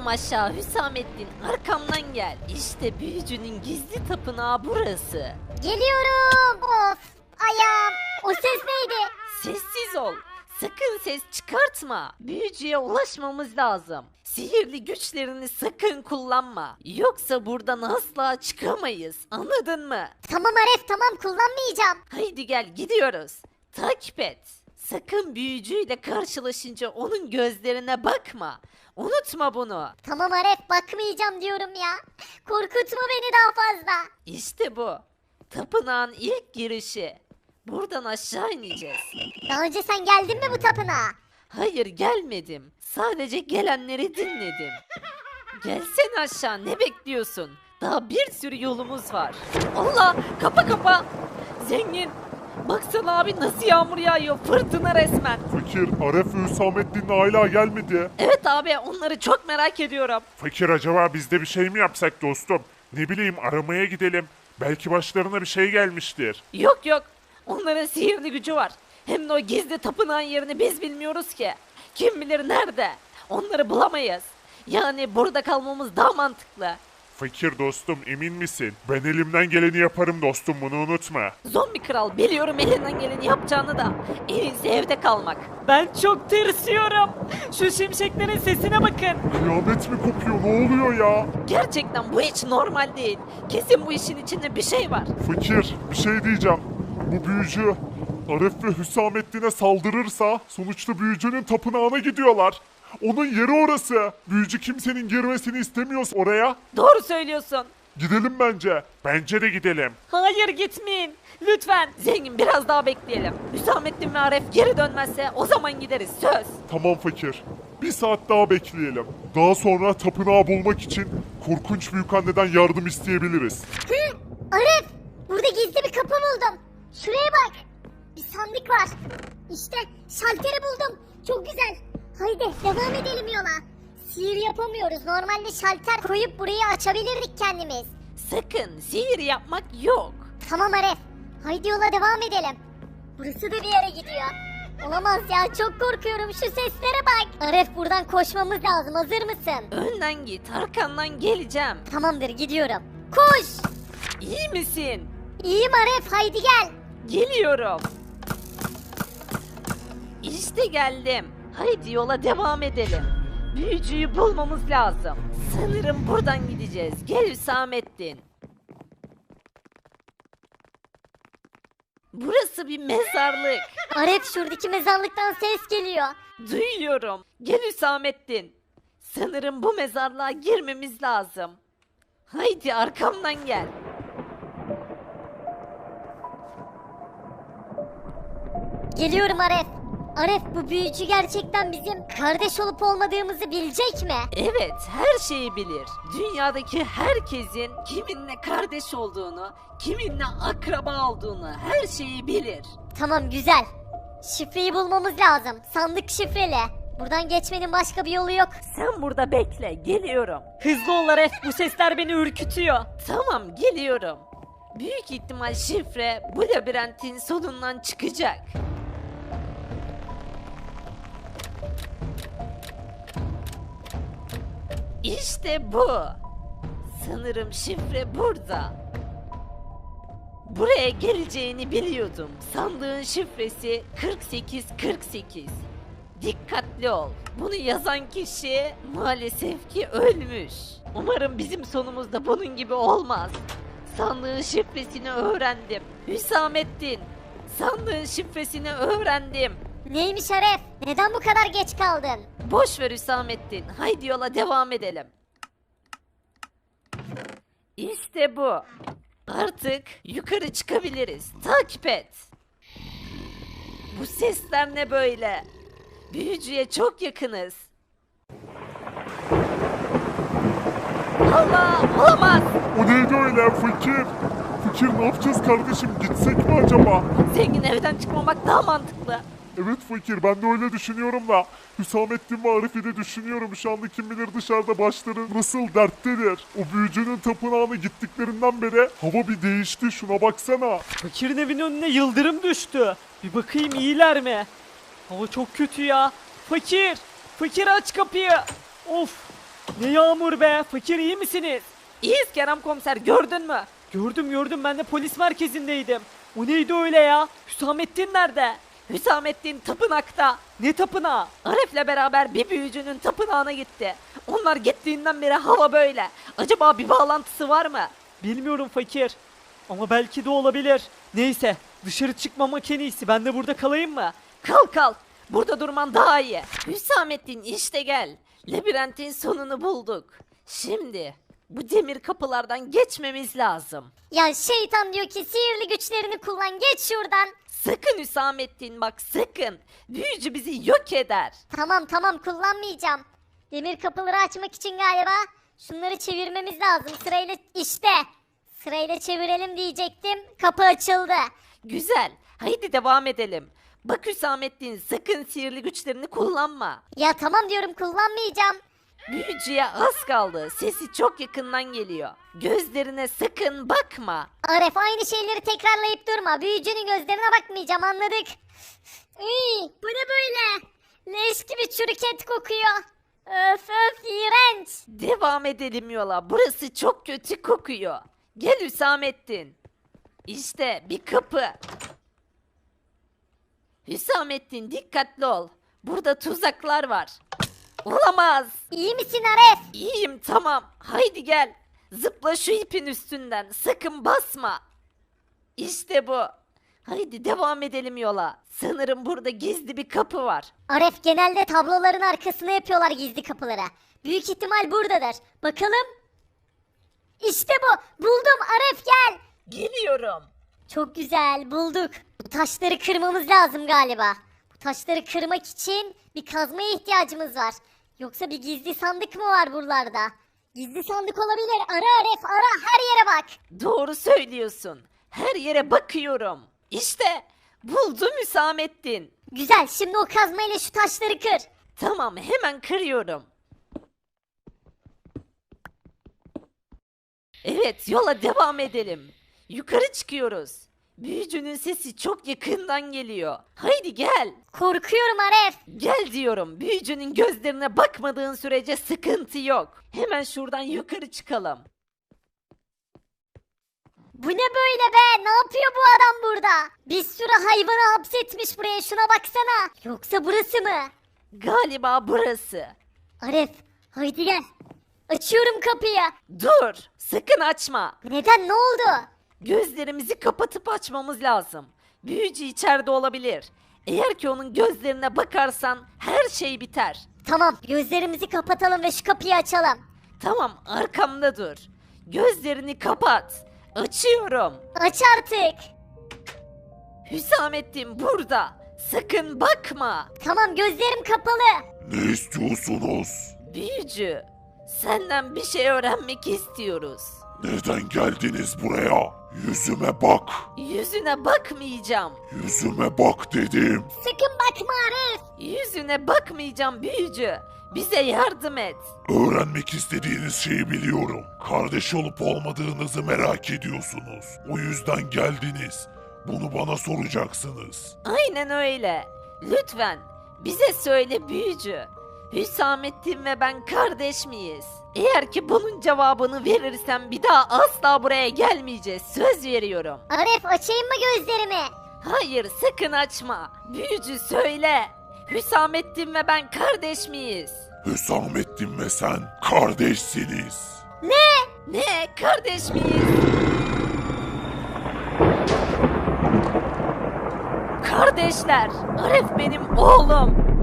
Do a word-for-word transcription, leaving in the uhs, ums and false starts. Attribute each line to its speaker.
Speaker 1: İniyorum aşağı Hüsamettin, arkamdan gel. İşte büyücünün gizli tapınağı burası.
Speaker 2: Geliyorum. Of ayağım. O ses neydi?
Speaker 1: Sessiz ol. Sakın ses çıkartma. Büyücüye ulaşmamız lazım. Sihirli güçlerini sakın kullanma. Yoksa buradan asla çıkamayız. Anladın mı?
Speaker 2: Tamam Aref tamam kullanmayacağım.
Speaker 1: Haydi gel gidiyoruz. Takip et. Sakın büyücüyle karşılaşınca onun gözlerine bakma. Unutma bunu.
Speaker 2: Tamam Aref bakmayacağım diyorum ya. Korkutma beni daha fazla.
Speaker 1: İşte bu. Tapınağın ilk girişi. Buradan aşağı ineceğiz.
Speaker 2: Daha önce sen geldin mi bu tapınağa?
Speaker 1: Hayır gelmedim. Sadece gelenleri dinledim. Gelsene aşağı, ne bekliyorsun? Daha bir sürü yolumuz var. Allah, kapa kapa. Zengin. Baksana abi nasıl yağmur yağıyor. Fırtına resmen.
Speaker 3: Fakir, Aref ve Hüsamettin hala gelmedi.
Speaker 1: Evet abi, onları çok merak ediyorum.
Speaker 3: Fakir, acaba biz de bir şey mi yapsak dostum? Ne bileyim, aramaya gidelim. Belki başlarına bir şey gelmiştir.
Speaker 1: Yok yok. Onların sihirli gücü var. Hem de o gizli tapınağın yerini biz bilmiyoruz ki. Kim bilir nerede? Onları bulamayız. Yani burada kalmamız daha mantıklı.
Speaker 3: Fakir dostum, emin misin? Ben elimden geleni yaparım dostum, bunu unutma.
Speaker 1: Zombi kral, biliyorum elinden geleni yapacağını da. En iyisi evde kalmak. Ben çok tırsıyorum. Şu şimşeklerin sesine bakın.
Speaker 3: Kıyamet mi kopuyor, ne oluyor ya?
Speaker 1: Gerçekten bu hiç normal değil. Kesin bu işin içinde bir şey var.
Speaker 3: Fakir, bir şey diyeceğim. Bu büyücü Aref ve Hüsamettin'e saldırırsa sonuçta büyücünün tapınağına gidiyorlar. Onun yeri orası. Büyücü kimsenin girmesini istemiyorsa oraya.
Speaker 1: Doğru söylüyorsun.
Speaker 3: Gidelim bence. Bence de gidelim.
Speaker 1: Hayır gitmeyin. Lütfen. Zengin biraz daha bekleyelim. Hüsamettin ve Aref geri dönmezse o zaman gideriz, söz.
Speaker 3: Tamam fakir. Bir saat daha bekleyelim. Daha sonra tapınağı bulmak için korkunç büyükanneden yardım isteyebiliriz.
Speaker 2: Hı, Aref burada gizli bir kapı buldum. Şuraya bak. Bir sandık var. İşte şalteri buldum. Çok güzel. Haydi devam edelim yola. Sihir yapamıyoruz. Normalde şalter koyup burayı açabilirdik kendimiz.
Speaker 1: Sakın sihir yapmak yok.
Speaker 2: Tamam Aref. Haydi yola devam edelim. Burası da bir yere gidiyor. Olamaz ya, çok korkuyorum, şu seslere bak. Aref buradan koşmamız lazım, hazır mısın?
Speaker 1: Önden git, arkandan geleceğim.
Speaker 2: Tamamdır, gidiyorum. Koş.
Speaker 1: İyi misin?
Speaker 2: İyiyim Aref, haydi gel.
Speaker 1: Geliyorum. İşte geldim. Haydi yola devam edelim. Büyücüyü bulmamız lazım. Sanırım buradan gideceğiz. Gel Hüsamettin. Burası bir mezarlık.
Speaker 2: Aref şuradaki mezarlıktan ses geliyor.
Speaker 1: Duyuyorum. Gel Hüsamettin. Sanırım bu mezarlığa girmemiz lazım. Haydi arkamdan gel.
Speaker 2: Geliyorum Aref. Aref bu büyücü gerçekten bizim kardeş olup olmadığımızı bilecek mi?
Speaker 1: Evet, her şeyi bilir. Dünyadaki herkesin kiminle kardeş olduğunu, kiminle akraba olduğunu, her şeyi bilir.
Speaker 2: Tamam, güzel. Şifreyi bulmamız lazım. Sandık şifreli. Buradan geçmenin başka bir yolu yok.
Speaker 1: Sen burada bekle, geliyorum. Hızlı ol Aref, bu sesler beni ürkütüyor. Tamam, geliyorum. Büyük ihtimal şifre bu labirentin sonundan çıkacak. İşte bu. Sanırım şifre burada. Buraya geleceğini biliyordum. Sandığın şifresi kırk sekiz kırk sekiz. Dikkatli ol. Bunu yazan kişi maalesef ki ölmüş. Umarım bizim sonumuz da bunun gibi olmaz. Sandığın şifresini öğrendim. Hüsamettin, sandığın şifresini öğrendim.
Speaker 2: Neymiş Aref? Neden bu kadar geç kaldın?
Speaker 1: Boş ver Hüsamettin. Haydi yola devam edelim. İşte bu. Artık yukarı çıkabiliriz. Takip et. Bu sesler ne böyle? Büyücüye çok yakınız. Allah, olamaz.
Speaker 3: O neydi öyle fakir? Fakir, ne yapacağız kardeşim? Gitsek mi acaba?
Speaker 1: Zengin, evden çıkmamak daha mantıklı.
Speaker 3: Evet fakir, ben de öyle düşünüyorum da Hüsamettin ve Arif'i de düşünüyorum. Şu anda kim bilir dışarıda başları nasıl derttedir. O büyücünün tapınağına gittiklerinden beri hava bir değişti, şuna baksana.
Speaker 4: Fakirin evinin önüne yıldırım düştü. Bir bakayım iyiler mi? Hava çok kötü ya. Fakir! Fakir aç kapıyı! Of! Ne yağmur be? Fakir iyi misiniz?
Speaker 1: İyiyiz Kerem komiser, gördün mü?
Speaker 4: Gördüm gördüm, ben de polis merkezindeydim. O neydi öyle ya? Hüsamettin nerede?
Speaker 1: Hüsamettin tapınakta.
Speaker 4: Ne tapınağı?
Speaker 1: Aref'le beraber bir büyücünün tapınağına gitti. Onlar gittiğinden beri hava böyle. Acaba bir bağlantısı var mı?
Speaker 4: Bilmiyorum fakir. Ama belki de olabilir. Neyse, dışarı çıkmamak en iyisi. Ben de burada kalayım mı?
Speaker 1: Kal kal. Burada durman daha iyi. Hüsamettin işte gel. Labirentin sonunu bulduk. Şimdi bu demir kapılardan geçmemiz lazım.
Speaker 2: Ya şeytan diyor ki sihirli güçlerini kullan geç şuradan.
Speaker 1: Sakın Hüsamettin bak sakın. Büyücü bizi yok eder.
Speaker 2: Tamam tamam kullanmayacağım. Demir kapıları açmak için galiba şunları çevirmemiz lazım sırayla işte. Sırayla çevirelim diyecektim. Kapı açıldı.
Speaker 1: Güzel. Haydi devam edelim. Bak Hüsamettin sakın sihirli güçlerini kullanma.
Speaker 2: Ya tamam diyorum kullanmayacağım.
Speaker 1: Büyücüye az kaldı. Sesi çok yakından geliyor. Gözlerine sakın bakma.
Speaker 2: Aref aynı şeyleri tekrarlayıp durma. Büyücünün gözlerine bakmayacağım anladık. Iy, bu ne böyle? Leş gibi çürük et kokuyor. Öf öf iğrenç.
Speaker 1: Devam edelim yola. Burası çok kötü kokuyor. Gel Hüsamettin. İşte bir kapı. Hüsamettin dikkatli ol. Burada tuzaklar var. Olamaz.
Speaker 2: İyi misin Aref?
Speaker 1: İyiyim tamam. Haydi gel. Zıpla şu ipin üstünden. Sakın basma. İşte bu. Haydi devam edelim yola. Sanırım burada gizli bir kapı var.
Speaker 2: Aref genelde tabloların arkasına yapıyorlar gizli kapıları. Büyük ihtimal buradadır. Bakalım. İşte bu. Buldum Aref gel.
Speaker 1: Geliyorum.
Speaker 2: Çok güzel bulduk. Bu taşları kırmamız lazım galiba. Bu taşları kırmak için bir kazmaya ihtiyacımız var. Yoksa bir gizli sandık mı var buralarda? Gizli sandık olabilir. Ara Aref ara her yere bak.
Speaker 1: Doğru söylüyorsun. Her yere bakıyorum. İşte buldum Hüsamettin.
Speaker 2: Güzel şimdi o kazmayla şu taşları kır.
Speaker 1: Tamam hemen kırıyorum. Evet yola devam edelim. Yukarı çıkıyoruz. Büyücünün sesi çok yakından geliyor. Haydi gel.
Speaker 2: Korkuyorum Aref.
Speaker 1: Gel diyorum. Büyücünün gözlerine bakmadığın sürece sıkıntı yok. Hemen şuradan yukarı çıkalım.
Speaker 2: Bu ne böyle be? Ne yapıyor bu adam burada? Bir sürü hayvanı hapsetmiş buraya şuna baksana. Yoksa burası mı?
Speaker 1: Galiba burası.
Speaker 2: Aref haydi gel. Açıyorum kapıyı.
Speaker 1: Dur, sakın açma.
Speaker 2: Neden ne oldu?
Speaker 1: Gözlerimizi kapatıp açmamız lazım. Büyücü içeride olabilir. Eğer ki onun gözlerine bakarsan her şey biter.
Speaker 2: Tamam gözlerimizi kapatalım ve şu kapıyı açalım.
Speaker 1: Tamam, arkamda dur. Gözlerini kapat. Açıyorum.
Speaker 2: Aç artık.
Speaker 1: Hüsamettin burada. Sakın bakma.
Speaker 2: Tamam gözlerim kapalı.
Speaker 3: Ne istiyorsunuz?
Speaker 1: Büyücü, senden bir şey öğrenmek istiyoruz.
Speaker 3: Neden geldiniz buraya? Yüzüme bak.
Speaker 1: Yüzüne bakmayacağım.
Speaker 3: Yüzüme bak dedim.
Speaker 2: Sakın bakma Arif.
Speaker 1: Yüzüne bakmayacağım büyücü. Bize yardım et.
Speaker 3: Öğrenmek istediğiniz şeyi biliyorum. Kardeş olup olmadığınızı merak ediyorsunuz. O yüzden geldiniz. Bunu bana soracaksınız.
Speaker 1: Aynen öyle. Lütfen bize söyle büyücü. Hüsamettin ve ben kardeş miyiz? Eğer ki bunun cevabını verirsem bir daha asla buraya gelmeyeceğiz. Söz veriyorum.
Speaker 2: Arif açayım mı gözlerimi?
Speaker 1: Hayır sakın açma. Büyücü söyle. Hüsamettin ve ben kardeş miyiz?
Speaker 3: Hüsamettin ve sen kardeşsiniz.
Speaker 1: Ne? Kardeş miyiz? Kardeşler. Arif benim oğlum.